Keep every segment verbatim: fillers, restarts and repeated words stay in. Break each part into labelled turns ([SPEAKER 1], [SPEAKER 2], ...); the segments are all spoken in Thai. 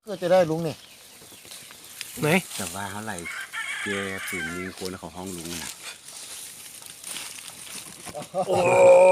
[SPEAKER 1] ก็จะได้ลุงนี่
[SPEAKER 2] ไหน
[SPEAKER 3] แต่ว่าเขาไหลเจถึงมีคนของห้องลุงนะ
[SPEAKER 2] โอ้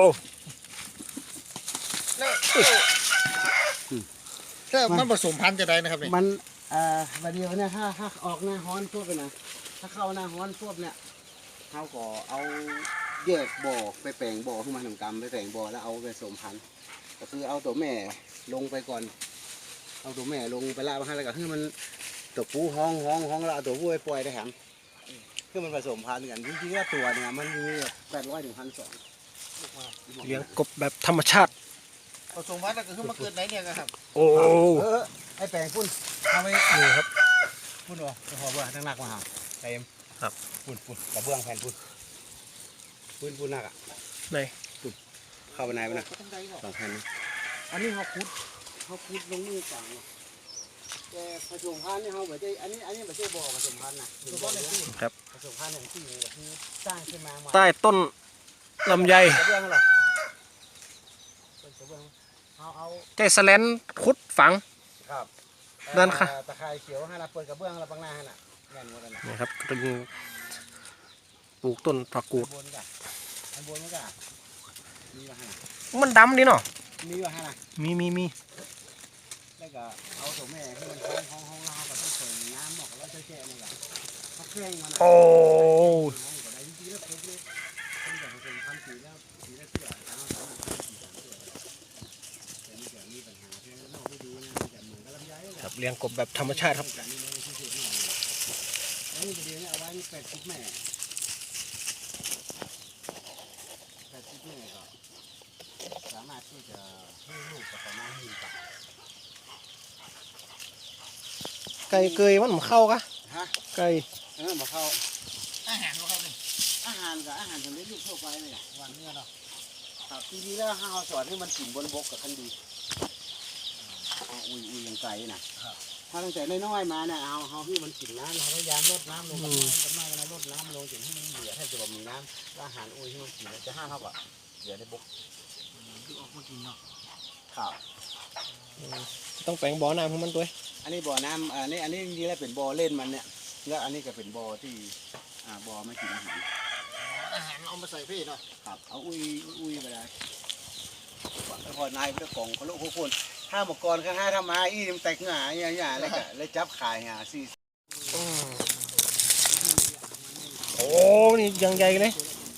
[SPEAKER 1] ถ้ามันผสมพันธุ์จะได้นะครับนี่
[SPEAKER 3] มันเอ่อวันเดียวเนี่ยถ้าถ้าออกหน้าฮ้อนพวกนะถ้าเข้าหน้าฮ้อนพวกเนี่ยเขาก็เอาแยกบ่อไปแปลงบ่อขึ้นมาทำกรรมไปแปลงบ่อแล้วเอาไปผสมพันธุ์ก็คือเอาตัวแม่ลงไปก่อนเอาตัวแม่ลงไปละมาให้แล้วก็คือมันตัวผู้ห้องห้องห้องแล้วเอาตัวผู้ไปปล่อยได้แถมคือมันผสมพันธุ์กันจริงๆว่าตัวเนี่ยมันมีแปดร้อยถึงพันสอง
[SPEAKER 2] เลี้ยงกบแบบธรรมชาติ
[SPEAKER 1] ผสมพันธุ์ก็คือมาเกิดไหนเนี่ยครับ
[SPEAKER 2] โอ้
[SPEAKER 3] เออไอแปลงพุ่นเอาไป
[SPEAKER 2] นี่ครับ
[SPEAKER 3] พุ่นวะจะหอบว่าทั้งหนักมาหาเต็ม
[SPEAKER 2] ครับ
[SPEAKER 3] พุ่นพุ่นกระเบื้องแผ่นพุ่นพุ่นพุ่นหนักอ่ะ
[SPEAKER 2] ไหน
[SPEAKER 3] เข้าไปไหนไปนะสองแผ่นอันนี้เขาคุดเขาคุดลงมือกลางแต่ผสมพันธุ์นี่เขาแบบอันนี้อันนี้ไม่ใช่บ่อผสมพันธุ์นะครับผสมพันธุ์อย่างที่คือสร้างขึ้นมา
[SPEAKER 2] ใต้ต้นลำไย
[SPEAKER 3] กระเบื้องอะไรกระเบื้องเอาเอา
[SPEAKER 2] ใจแสลนขุดฝัง
[SPEAKER 3] ครับ
[SPEAKER 2] นั่นค่ะ
[SPEAKER 3] ตะไคร้เขียวให้เราเปิดกระเบื้องเราบังหน้าให้น่ะแน่นหมดเลย
[SPEAKER 2] นี่ครับเป็นปลูกต้นผักกูด
[SPEAKER 3] บนกันอันบนมันก็มีว่าให้
[SPEAKER 2] มันดำดิเนาะ
[SPEAKER 3] มีว่าให้น่ะ
[SPEAKER 2] มีมีมี
[SPEAKER 3] แล้วก็เอาตัวแม่ที่มันห้องห้องห้องเราก็ต้องเปิดน้ำหมอกแล้วแช่ๆนี่แหละเขาเคร่งมัน
[SPEAKER 2] โอ้
[SPEAKER 3] จริงๆแล้วครบเลยตั้งแต่ผสมพันธุ์สีแล้วสีแล้วเสื้อเอาสามารถทำสีสามเสื้อแต่นี่จะมีปัญหาที่นอกไม่ดีนะจะเหมือนกับลำไย
[SPEAKER 2] ครับเลี้ยงกบแบบธรรมชาติครับ
[SPEAKER 3] อันนี้จะเลี้ยงเอาไว้แปดสิบแม่แปดสิบแม่ก็สามารถที่จะให้ลูกกับประมาณหนึ่งตัน
[SPEAKER 2] ไก่เกยมันมันเข้ากะ
[SPEAKER 3] ฮะ
[SPEAKER 2] ไก่
[SPEAKER 3] เออมาเข้า
[SPEAKER 1] อาหารของเขาเนี่ย
[SPEAKER 3] อาหารกับอาหารสำเร็จรูปทั่วไปเลยอ่ะวันนี้เนาะครับทีนี้แล้วห้าสอนให้มันกินบนบกกับคันดีอุ้ยอุ้ยยังไก่น่ะถ้าตั้งแต่น้อยๆมาเนี่ยเอาเอาที่มันกินน้ำเราพยายามลดน้ำลงกันมากกันนะลดน้ำลงจนให้มันเหลือแทบจะแบบมีน้ำอาหารอุ้ยที่มันกินจะห้าเท่ากับเหลือในบก
[SPEAKER 1] ที่ออกมากินเนาะ
[SPEAKER 3] ครับ
[SPEAKER 2] ต้องแปลงบ่อน้ำของมันด้วย
[SPEAKER 3] อันนี้บ่อน้ำอันนี้อันนี้จริงๆแล้วเป็นบ่อเล่นมันเนี่ยแล้วอันนี้ก็เป็นบ่อที่อ่าบ่อไม่กินอาหาร
[SPEAKER 1] อาหารเอามาใส่พี่เนาะ
[SPEAKER 3] ครับเอาอุ้ยอุ้ยไปได้พอนายพระกองเขาลูกพวกคนห้าหมกกรข้างห้าทำมาอีมันแตกหงายอย่างเงี้ยเลยก็เลยจับขายหาสี่
[SPEAKER 2] โอ้นี่ยังใหญ่เลย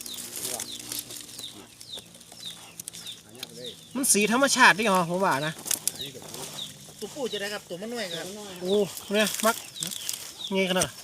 [SPEAKER 2] มันสีธรรมชาติดิเหรอผมว่านะ
[SPEAKER 1] ตัวผู้จะได้ครับตัวมันน้อยครับ
[SPEAKER 2] โอ้เนี่ยมักงี้ขนาด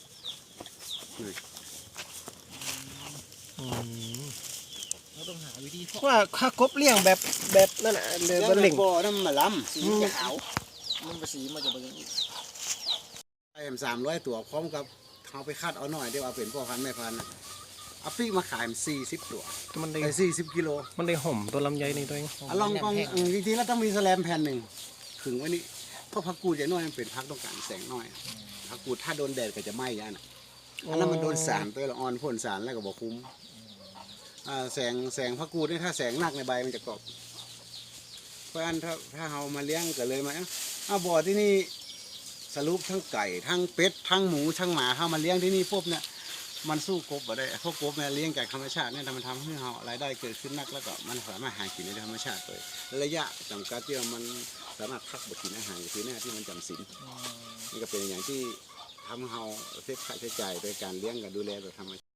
[SPEAKER 1] เราต้องหาวิธี
[SPEAKER 2] ว่าถ้ากบเลี้ยงแบบแบบนั่นน่ะเลยบนเหล่ง
[SPEAKER 3] บ่อน้ำมาล้ำสีขาว
[SPEAKER 1] มันเป็นสีมันจะเป็นอย่างนี้
[SPEAKER 3] ไอ้สามร้อยตัวพร้อมกับเอาไปคัดเอาหน่อยเดี๋ยวเอาเป็นพ่อพันธุ์แม่พันธุ์เอาปีกมาขายมันสี่สิบตัว
[SPEAKER 2] มันได้
[SPEAKER 3] สี่สิบกิโล
[SPEAKER 2] มันได้ห่มตัวลำไยในตัวเอง
[SPEAKER 3] ลองกองจริงๆแล้วต้องมีแสลมแผ่นหนึ่งขึงไว้นี่เพราะพักกูดอย่างน้อยมันเป็นพักต้องการแสงน้อยพักกูดถ้าโดนแดดก็จะไหม้ยันอันนั้นมันโดนสารตัวละออนพ่นสารแล้วก็บอกคุ้มแสงแสงพักกูดนี่ถ้าแสงหนักในใบมันจะกรอบเพราะฉะนั้นถ้าถ้าเรามาเลี้ยงก็เลยมาเอาบ่อที่นี่สรุปทั้งไก่ทั้งเป็ดทั้งหมูทั้งหมาเข้ามาเลี้ยงที่นี่ปุ๊บเนี่ยมันสู้กบบ่ได้เพราะกบเนี่ยเลี้ยงจากธรรมชาติเนี่ยมันทำให้เรารายได้เกิดขึ้นนักแล้วก็มันสามารถหากินในธรรมชาติเลยระยะจำกัดที่มันสามารถพักบกินอาหารอยู่ที่หน้าที่มันจำศีลนี่ก็เป็นอย่างที่ทำให้เราเซฟค่าใช้จ่ายโดยการเลี้ยงกับดูแลแบบธรรมชาติ